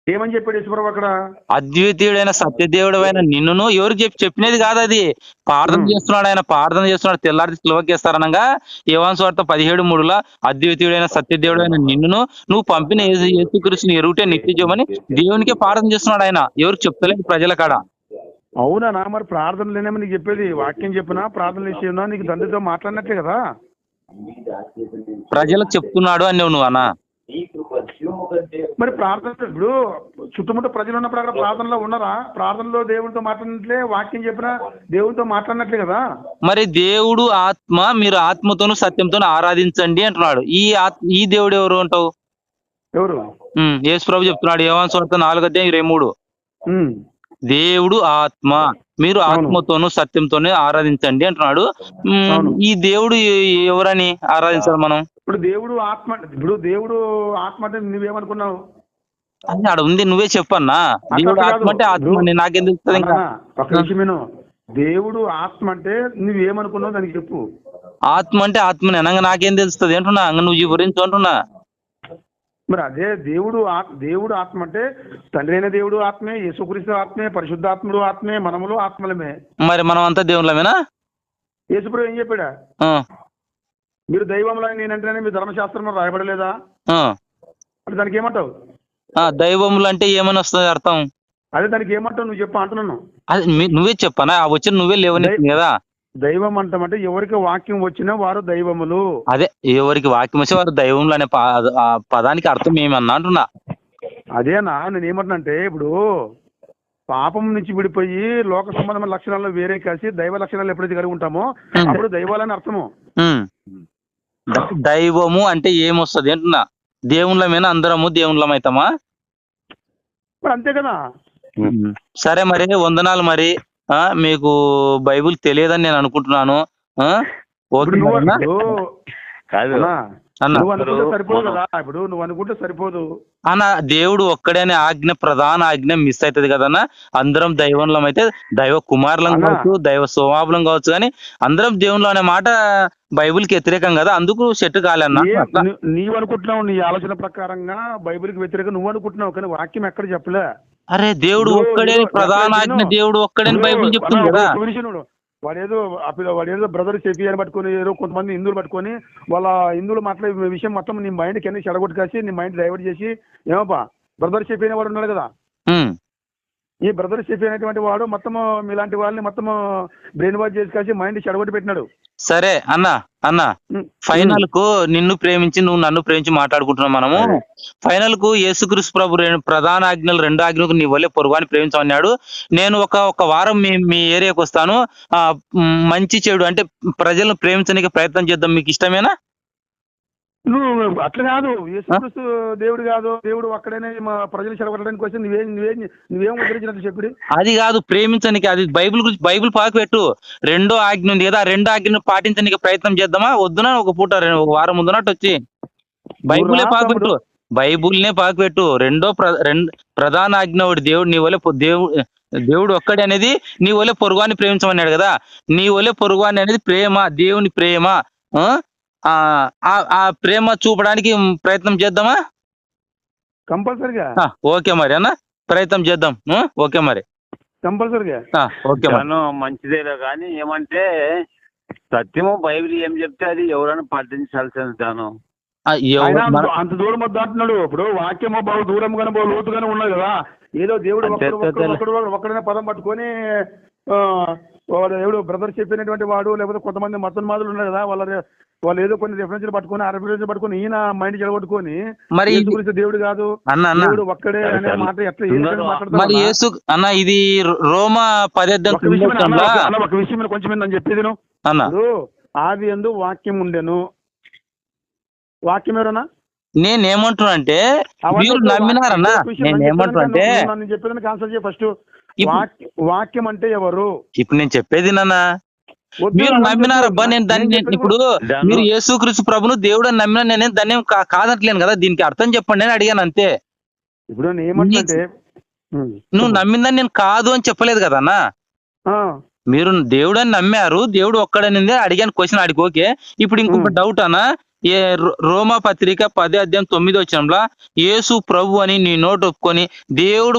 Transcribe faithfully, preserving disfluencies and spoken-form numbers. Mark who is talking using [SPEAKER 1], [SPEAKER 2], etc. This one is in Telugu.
[SPEAKER 1] ఏమని చెప్పాడు యేసుప్రభు అక్కడ?
[SPEAKER 2] అద్వితీయుడైన సత్యదేవుడు అయిన నిన్నును ఎవరికి చెప్పి చెప్పినది కాదు అది. ప్రార్థన చేస్తున్నాడు ఆయన, ప్రార్థన చేస్తున్నాడు, తెల్లారి సిలువకేస్తారనగా యోహాను సువార్త పదిహేడు మూడులో అద్వితీయుడైన సత్యదేవుడు అయిన నిన్నును నువ్వు పంపిన యేసు యేసుక్రీస్తుని ఎరుగుటే నిత్య జీవమని దేవునికే ప్రార్థన చేస్తున్నాడు ఆయన, ఎవరికి చెప్తలేదు ప్రజల కాడ.
[SPEAKER 1] అవునా? మరి ప్రార్థన లేనేమో నీకు చెప్పేది. వాక్యం చెప్పినా ప్రార్థన చేసినా నీకు తండ్రితో మాట్లాడినట్లే కదా.
[SPEAKER 2] ప్రజలకు చెప్తున్నాడు అని నువ్వు అన్నా.
[SPEAKER 1] మరి ప్రార్థన ఇప్పుడు చుట్టుముట్ట ప్రజలు ఉన్నప్పుడు అక్కడ ప్రార్థనలో ఉన్నారా? ప్రార్థనలో దేవుడితో మాట్లాడినట్లే, వాక్యం చెప్పినా దేవుడితో మాట్లాడినట్లే కదా.
[SPEAKER 2] మరి దేవుడు ఆత్మ, మీరు ఆత్మతోను సత్యంతోను ఆరాధించండి అంటున్నాడు. ఈ ఆత్మ ఈ దేవుడు ఎవరు అంటావు?
[SPEAKER 1] ఎవరు?
[SPEAKER 2] యేసు ప్రభు చెప్తున్నాడు యోహాను సువార్త నాలుగు అధ్యాయం ఇరవై మూడు. దేవుడు ఆత్మ, మీరు ఆత్మతోను సత్యంతోనే ఆరాధించండి అంటున్నాడు. ఈ దేవుడు ఎవరని ఆరాధించాలి మనం?
[SPEAKER 1] ఇప్పుడు దేవుడు ఆత్మ, ఇప్పుడు దేవుడు ఆత్మ అంటే నువ్వేమనుకున్నావు?
[SPEAKER 2] అది ఆడ ఉంది, నువ్వే చెప్పన్నా. దేవుడు ఆత్మ అంటే ఆత్మ అని నాకేం తెలుస్తుంది? ఇంకా
[SPEAKER 1] ఒక నిమిషం, దేవుడు ఆత్మ అంటే నువ్వేమనుకున్నావు దానికి చెప్పు.
[SPEAKER 2] ఆత్మ అంటే ఆత్మని అనగా నాకేం తెలుస్తుంది అంటున్నా, నువ్వు ఈ గురించి అంటున్నా.
[SPEAKER 1] మరి అదే దేవుడు దేవుడు ఆత్మ అంటే తండ్రి అయిన దేవుడు ఆత్మే, యేసుక్రీస్తు ఆత్మే, పరిశుద్ధాత్ముడు ఆత్మే, మనములు ఆత్మలమే.
[SPEAKER 2] మరి మనం అంతా దేవుళ్ళమేనా?
[SPEAKER 1] యేసుప్రభు ఏం చెప్పాడా? మీరు దైవములని నేనంటేనే మీ ధర్మశాస్త్రంలో రాయబడలేదా? అంటే దానికి ఏమంటావు?
[SPEAKER 2] దైవములు అంటే ఏమని వస్తుంది అర్థం?
[SPEAKER 1] అదే దానికి ఏమంటావు నువ్వు చెప్పు అంటున్నాను.
[SPEAKER 2] అది నువ్వే చెప్పనా, వచ్చిన నువ్వే లేవని కదా.
[SPEAKER 1] దైవం అంటామంటే ఎవరికి వాక్యం వచ్చినా వారు దైవములు. అదే
[SPEAKER 2] ఎవరికి వాక్యం వచ్చి వారు దైవములు అనే పదానికి అర్థం ఏమన్నా అంటున్నా.
[SPEAKER 1] అదేనా నేను ఏమంటున్నా అంటే, ఇప్పుడు పాపం నుంచి విడిపోయి లోక సంబంధమైన లక్షణాల్లో వేరే కలిసి దైవ లక్షణాలు ఎప్పుడైతే కలిగి ఉంటామో అప్పుడు దైవాలని అర్థము.
[SPEAKER 2] దైవము అంటే ఏమొస్తుంది అంటున్నా? దేవుళ్ళమేనా? అందరము దేవుళ్ళం అవుతామా?
[SPEAKER 1] మరి అంతే కదా.
[SPEAKER 2] సరే మరి వందనాలు. మరి మీకు బైబుల్ తెలియదని నేను అనుకుంటున్నాను. అన్న దేవుడు ఒక్కడనే ఆజ్ఞ, ప్రధాన ఆజ్ఞ మిస్ అవుతుంది కదన్నా. అందరం దైవంలం అయితే దైవ కుమారులం కావచ్చు, దైవ స్వభావం కావచ్చు, కానీ అందరం దేవుళ్ళు అనే మాట బైబిల్ కి వ్యతిరేకం కదా, అందుకు సెట్ కాలేన్నా.
[SPEAKER 1] నీవు అనుకుంటున్నావు, నీ ఆలోచన ప్రకారంగా బైబిల్ కి వ్యతిరేకం నువ్వు అనుకుంటున్నావు, కానీ వాక్యం ఎక్కడ చెప్పలే.
[SPEAKER 2] అరే దేవుడు ఒక్కడే ప్రధాన ఆజ్ఞ, దేవుడు ఒక్కడే బైబిల్ చెప్తుంది కదా.
[SPEAKER 1] వాడేదో వాడేదో బ్రదర్ చెప్పి అని పట్టుకొని ఏదో కొంతమంది హిందువులు పట్టుకొని వాళ్ళ హిందువులు మాట్లాడే విషయం మొత్తం నీ మైండ్ కింద చెడగొట్టు కాసి నీ మైండ్ డైవర్ట్ చేసి, ఏమోపా బ్రదర్ చెప్పి అయిన వాడు ఉన్నాడు కదా, ఈ బ్రదర్ చెప్పి అయినటువంటి వాడు మొత్తం మీలాంటి వాళ్ళని మొత్తం బ్రెయిన్ వాష్ చేసి కాసి మైండ్ చెడగొట్టి పెట్టినాడు.
[SPEAKER 2] సరే అన్న అన్న ఫైనల్ కు నిన్ను ప్రేమించి నువ్వు నన్ను ప్రేమించి మాట్లాడుకుంటున్నాం మనము. ఫైనల్ కు యేసుక్రీస్తు ప్రభు ప్రధాన ఆజ్ఞలు రెండు ఆజ్ఞలకు నీ వల్లే పొరుగుని ప్రేమించమన్నాడు. నేను ఒక ఒక వారం మీ మీ ఏరియాకి వస్తాను. ఆ మంచి చెడు అంటే ప్రజలను ప్రేమించడానికి ప్రయత్నం చేద్దాం, మీకు ఇష్టమేనా?
[SPEAKER 1] నువ్వు అట్లా కాదు, యేసుక్రీస్తు దేవుడు కాదు, దేవుడు ఒక్కడనే ప్రజలు చెడగొట్టడానికి వచ్చి నువ్వేం నువ్వేం నువ్వేం ఉద్ధరించినట్టు చెప్పి
[SPEAKER 2] అది కాదు ప్రేమించడానికి. అది బైబిల్ గురించి బైబిల్ పాకు పెట్టు. రెండో ఆజ్ఞ ఉంది కదా, రెండో ఆజ్ఞను పాటించడానికి ప్రయత్నం చేద్దామా వద్దునా? ఒక పూట ఒక వారం ముందునట్టు వచ్చి బైబులే పాకు పెట్టు, బైబుల్నే పాకు పెట్టు. రెండో ప్రధాన ఆజ్ఞ ఒకటి, దేవుడు నీ వల్ల దేవుడు దేవుడు ఒక్కడే అనేది నీ వల్ల పొరుగుని ప్రేమించమన్నాడు కదా. నీ వల్ల పొరుగుని అనేది ప్రేమ, దేవుని ప్రేమ. ఆ ప్రేమ చూపడానికి ప్రయత్నం చేద్దామా?
[SPEAKER 1] కంపల్సరిగా.
[SPEAKER 2] ఓకే మరి అన్న, ప్రయత్నం చేద్దాం. ఓకే మరి
[SPEAKER 1] కంపల్సరిగా.
[SPEAKER 2] ఓకే
[SPEAKER 3] మంచిదేలే, కానీ ఏమంటే సత్యము బైబిల్ ఏం చెప్తే అది ఎవరైనా పాటించాల్సిన దాను.
[SPEAKER 1] అంత దూరం వద్ద అంటున్నాడు. ఇప్పుడు వాక్యము బాగు దూరంగానే బాగు లోతుగానే ఉన్నది కదా. ఏదో దేవుడు ఒక్కడైనా పదం పట్టుకొని వాడు ఎవడు బ్రదర్ చెప్పినటువంటి వాడు, లేకపోతే కొంతమంది మతోన్మాదులు ఉన్నారు కదా, వాళ్ళ వాళ్ళు ఏదో కొన్ని రిఫరెన్స్లు పట్టుకొని ఆ రిఫరెన్స్ పట్టుకొని ఈయన మైండ్ చెడగొట్టుకొని మరి దేవుడు కాదు దేవుడు ఒక్కడే అనే మాట ఎట్లా
[SPEAKER 2] మరి యేసు అన్న ఇది రోమా పదేద్దాం
[SPEAKER 1] ఒక విషయం కొంచెం నేను చెప్పేది అన్న. ఆది యందు వాక్యం ఉండెను. వాక్యం ఎవరన్నా?
[SPEAKER 2] నేనేమంటున్నా అంటే మీరు నమ్మినారన్నా. నేనేమంటున్నా అంటే
[SPEAKER 1] నేను చెప్పేదానికి ఆన్సర్ చేయ ఫస్ట్. వాక్యం అంటే ఎవరు?
[SPEAKER 2] ఇప్పుడు నేను చెప్పేది నాన్న, మీరు నమ్మినారబ్బా. నేను దాన్ని ఇప్పుడు మీరు యేసుక్రీస్తు ప్రభును దేవుడు అని నమ్మినా నేనే దాన్ని కాదట్లేను కదా. దీనికి అర్థం చెప్పండి అని అడిగాను అంతే.
[SPEAKER 1] ఇప్పుడు ఏమంటే
[SPEAKER 2] నువ్వు నమ్మిందని నేను కాదు అని చెప్పలేదు కదా అన్న. మీరు దేవుడు అని నమ్మారు, దేవుడు ఒక్కడనిందే అడిగాను క్వశ్చన్, అడిగి ఓకే. ఇప్పుడు ఇంకొక డౌట్ అన్న, ఏ రో- రోమా పత్రిక పది అధ్యాయం తొమ్మిది వచనంలో యేసు ప్రభు అని నీ నోటు ఒప్పుకొని దేవుడు